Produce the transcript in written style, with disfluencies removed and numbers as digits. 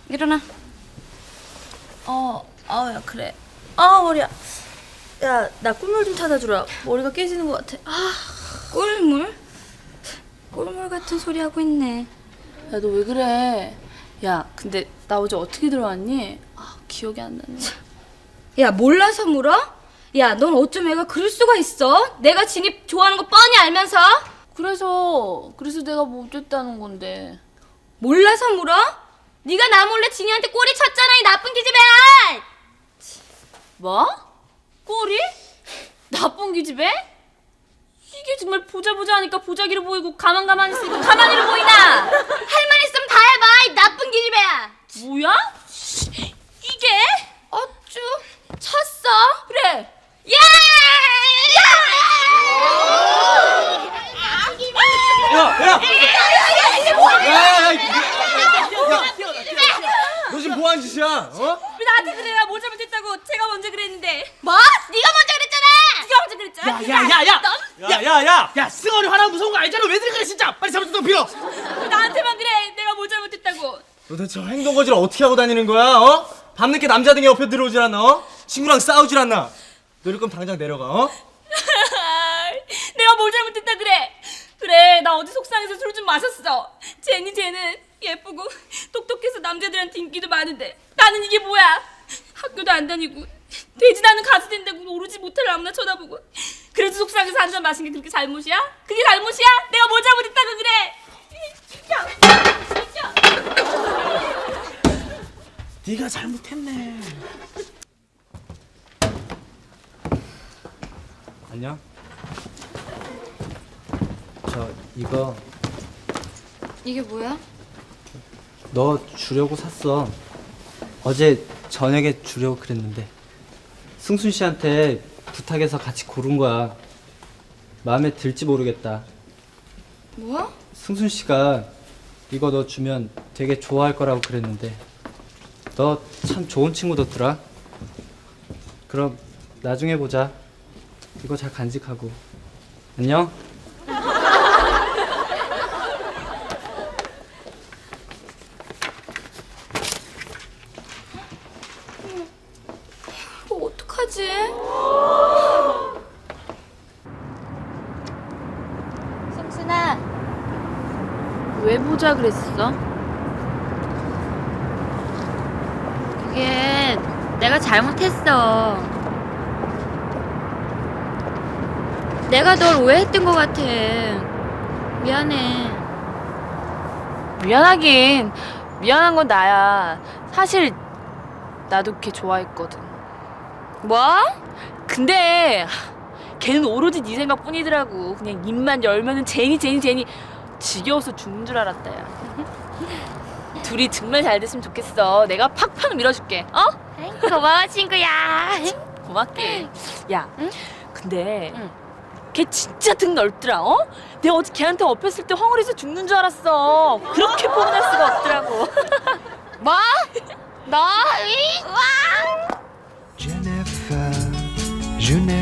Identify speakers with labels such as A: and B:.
A: 일어나.
B: 야 그래. 아 머리야. 야 나 꿀물 좀 타다 주라. 머리가 깨지는 것 같아.
A: 꿀물? 꿀물 같은 소리 하고 있네.
B: 야 너 왜 그래? 야 근데 나 어제 어떻게 들어왔니? 기억이 안 나네.
A: 야, 몰라서 물어? 야, 넌 어쩜 애가 그럴 수가 있어? 내가 진이 좋아하는 거 뻔히 알면서?
B: 그래서 내가 뭐 어쨌다는 건데.
A: 몰라서 물어? 네가 나 몰래 진이한테 꼬리 쳤잖아, 이 나쁜 기집애야!
B: 뭐? 꼬리? 나쁜 기집애? 이게 정말 보자 하니까 보자기로 보이고 가만히 있으니까 가만히로 보이나?
A: 할 말 있으면 다 해봐, 이 나쁜 기집애야!
B: 뭐야? 이게?
A: 어쭈, 쳤어?
B: 그래.
A: 야!
C: 너 지금 뭐 하는 짓이야? 어?
B: 왜 나한테 그래? 나 뭘 잘못했다고. 제가 먼저 그랬는데.
A: 뭐? 네가 먼저 그랬잖아!
B: 네가 먼저 그랬잖아.
C: 야, 승원이 화나면 무서운 거 알잖아. 왜 그래 진짜? 빨리 잘못했다고 빌어.
B: 왜 나한테만 그래? 내가 뭘 잘못했다고.
C: 도대체 행동 거지를 어떻게 하고 다니는 거야? 어? 밤늦게 남자 등에 옆에 들어오질 않나? 어? 친구랑 싸우질 않나? 너 이럴 거면 당장 내려가. 어?
B: 내가 뭘 잘못했다 그래. 그래, 나 어제 속상해서 술 좀 마셨어. 쟤는 예쁘고 똑똑해서 남자들한테 인기도 많은데 나는 이게 뭐야? 학교도 안 다니고 돼지 나는 가수 된다고 오르지 못할 아무나 쳐다보고 그래도 속상해서 한 잔 마신 게 그렇게 잘못이야? 그게 잘못이야? 내가 뭘 잘못했다고 그래?
C: 네가 잘못했네. 안녕. 이거
A: 이게 뭐야?
D: 너 주려고 샀어. 어제 저녁에 주려고 그랬는데 승순 씨한테 부탁해서 같이 고른 거야. 마음에 들지 모르겠다.
A: 뭐?
D: 승순 씨가 이거 너 주면 되게 좋아할 거라고 그랬는데 너 참 좋은 친구더라. 그럼 나중에 보자. 이거 잘 간직하고. 안녕.
A: 어떡하지?
B: 성순아, 왜 보자 그랬어?
A: 그게 내가 잘못했어. 내가 널 오해했던 것 같아. 미안해.
B: 미안하긴 미안한 건 나야. 사실 나도 걔 좋아했거든.
A: 뭐?
B: 근데 걔는 오로지 네 생각뿐이더라고. 그냥 입만 열면은 제니 지겨워서 죽는 줄 알았다 야. 둘이 정말 잘 됐으면 좋겠어. 내가 팍팍 밀어줄게.
A: 고마워 친구야.
B: 고맙게. 야,
A: 응?
B: 근데
A: 응.
B: 걔 진짜 등 넓더라. 내가 어제 걔한테 엎였을 때 헝어리에서 죽는 줄 알았어. 그렇게 포근할 수가 없더라고.
A: 뭐? 너? 와!
E: Jennifer, je n'ai